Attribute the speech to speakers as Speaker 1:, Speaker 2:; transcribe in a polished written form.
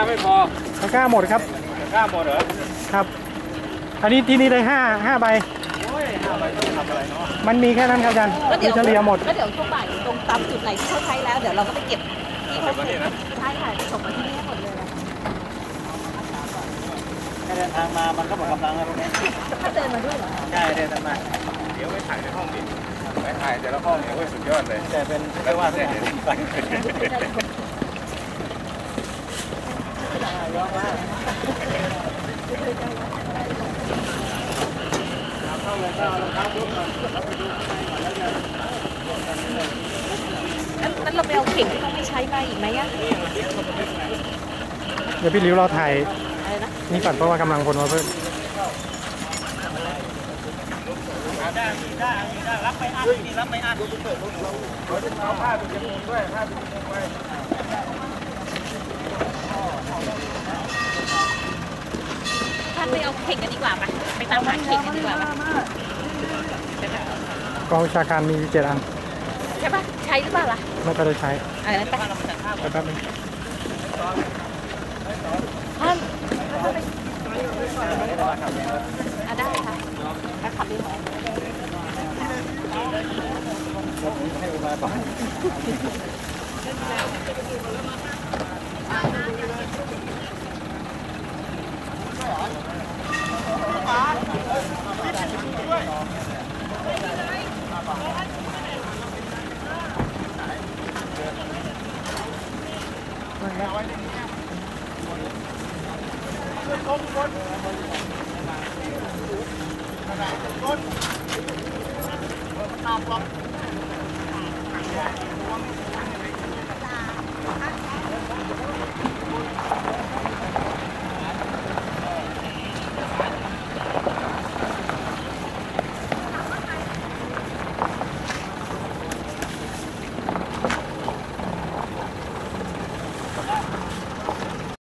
Speaker 1: ไม่พอ
Speaker 2: ตะกร้าหมดครับ
Speaker 1: ตะกร้าหมดเหรอ
Speaker 2: ครับอันนี้ที่นี่ได้ห้าใบ
Speaker 1: 5 ใบต้องทำอะไรเนาะ
Speaker 2: มันมีแค่นั้นครับอาจารย์คือเฉลี่ยหมด
Speaker 3: แล้วเดี๋ยวช่วงบ่ายตรงตามจุดไหนที่เขาใช้แล้วเดี๋ยวเราก็ไปเก็บที่เขาใช้ใช่ค่ะส่งมาที่นี่หมดเลย
Speaker 1: แค่เดินทางมามันก็หมดกำลังแล้วตรงนี้
Speaker 3: ถ้าเดินมาด้วยเหรอ
Speaker 1: ใช่เดินมาเดี๋ยวไปถ่ายในห้องดิไปถ่ายแต่ละห้องเนี่ยโอ้ยสุดยอดเลยแต่เป็นไม่ว่าแต่เห็นไป
Speaker 3: นั้นเราไปเอาเข่งที่เขาไม่ใช้มาอีกไหมอ่ะ
Speaker 2: เดี๋ยวพี่ริ้วเราถ่ายนี่ก่อนเพราะว่ากำลังคนมาเพิ่ม
Speaker 1: ได้รับไปอัดนี่รับไปอัดเราจะเอาผ้าไปจมูกด้วยผ้าไปจมูกไว้
Speaker 3: ท่านไปเอาเข่งกันดีกว่าไปตามหาเข่งกันดีกว่า
Speaker 2: กองวิชาการมี7 อัน
Speaker 3: ใช่ปะใช้หรือเปล่าล่ะ
Speaker 2: ไม่ก็ได้ใช้
Speaker 3: อะไรนะ
Speaker 2: ไปแป๊บนึง
Speaker 3: ท่านได้ค่ะแล้วขับดีไหม
Speaker 1: ให้มาต่อ